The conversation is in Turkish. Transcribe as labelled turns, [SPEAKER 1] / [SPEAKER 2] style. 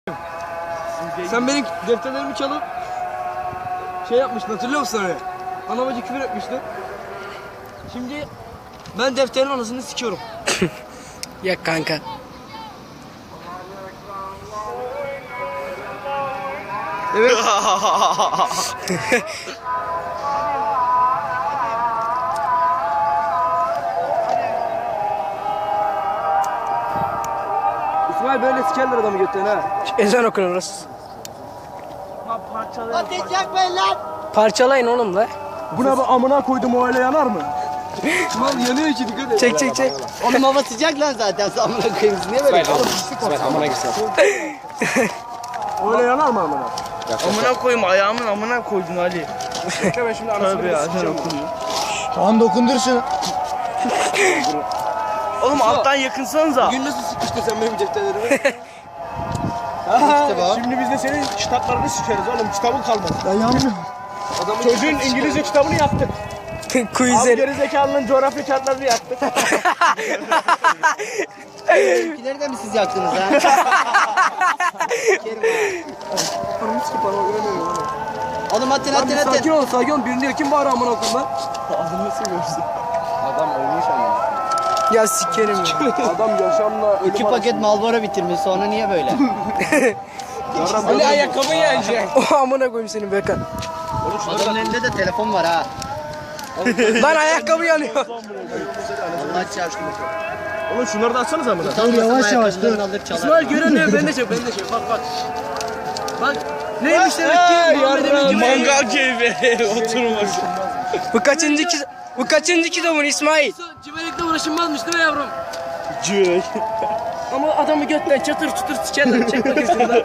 [SPEAKER 1] Sen benim defterlerimi çalıp şey yapmıştın, hatırlıyor musun öyle? Ana bacı küfür etmiştin. Şimdi ben defterin anasını sikiyorum.
[SPEAKER 2] Ya kanka.
[SPEAKER 1] Evet. İsmail böyle sikerler adamı götüren ha.
[SPEAKER 2] Ezan okun orası.
[SPEAKER 3] Ateş yakmayın lan.
[SPEAKER 2] Parçalayın oğlum la.
[SPEAKER 1] Buna bir amına koydum, o öyle yanar mı? Mal yanıyor içi, dikkat et.
[SPEAKER 2] Çek çek çek.
[SPEAKER 3] Oğlum hava sıcak lan zaten. Amına koyayım siz niye böyle?
[SPEAKER 4] Amına gitsin.
[SPEAKER 1] Öyle yanar mı amına?
[SPEAKER 5] Amına koyayım, ayağımın amına koydun Ali.
[SPEAKER 1] Bekle ben şimdi anasını
[SPEAKER 5] Tabii ya, sen
[SPEAKER 1] sikeceğim.
[SPEAKER 5] okunuyor.
[SPEAKER 4] Tamam dokundur şunu.
[SPEAKER 5] Oğlum alttan yakınsanıza.
[SPEAKER 1] Bugün nasıl sikmiştin sen benim defterlerimi?
[SPEAKER 4] Şimdi biz de senin kitaplarını sikeriz oğlum. Kitabın kalmaz. Ben yanmıyorum.
[SPEAKER 1] Adamın
[SPEAKER 4] Çocuğun İngilizce kitabını yaktık. Abi
[SPEAKER 2] Quizleri.
[SPEAKER 4] gerizekalının coğrafya kağıtlarını yaktık.
[SPEAKER 3] Benimkileri de mi siz yaktınız ha?
[SPEAKER 1] Anamı sikip bana göremiyorum oğlum.
[SPEAKER 3] Oğlum atın
[SPEAKER 1] Lan
[SPEAKER 3] atın
[SPEAKER 1] bir sakin
[SPEAKER 3] atın.
[SPEAKER 1] ol, sakin ol. Birini kim bağırıyor amına koyayım lan?
[SPEAKER 4] Adam ölmüş ama.
[SPEAKER 2] Ya sikerim ya.
[SPEAKER 1] Adam yaşamla ölüm
[SPEAKER 3] 2 paket Marlboro bitirmiş sonra niye böyle?
[SPEAKER 1] Ali ayakkabı yenecek.
[SPEAKER 2] O amına koyayım senin Bekan.
[SPEAKER 3] Adamın elinde de telefon var ha.
[SPEAKER 2] Lan ayakkabı yanıyor.
[SPEAKER 3] Allah çarpsın.
[SPEAKER 4] Oğlum şunları da açsanız ama.
[SPEAKER 3] Dur yavaş yavaş dur. Alır çalar.
[SPEAKER 1] İsmail görünüyor, ben de çek, ben de çek. Bak bak. Bak. Neymiş demek ki? Muhammed'in
[SPEAKER 5] Mangal keyfi oturmuş.
[SPEAKER 2] Bu kaçıncı kitabın İsmail?
[SPEAKER 1] Cimelikle uğraşılmazmış değil mi yavrum?
[SPEAKER 5] Cürek.
[SPEAKER 1] Ama adamı götten çatır çutur sikerler. Çek bakayım şunu da.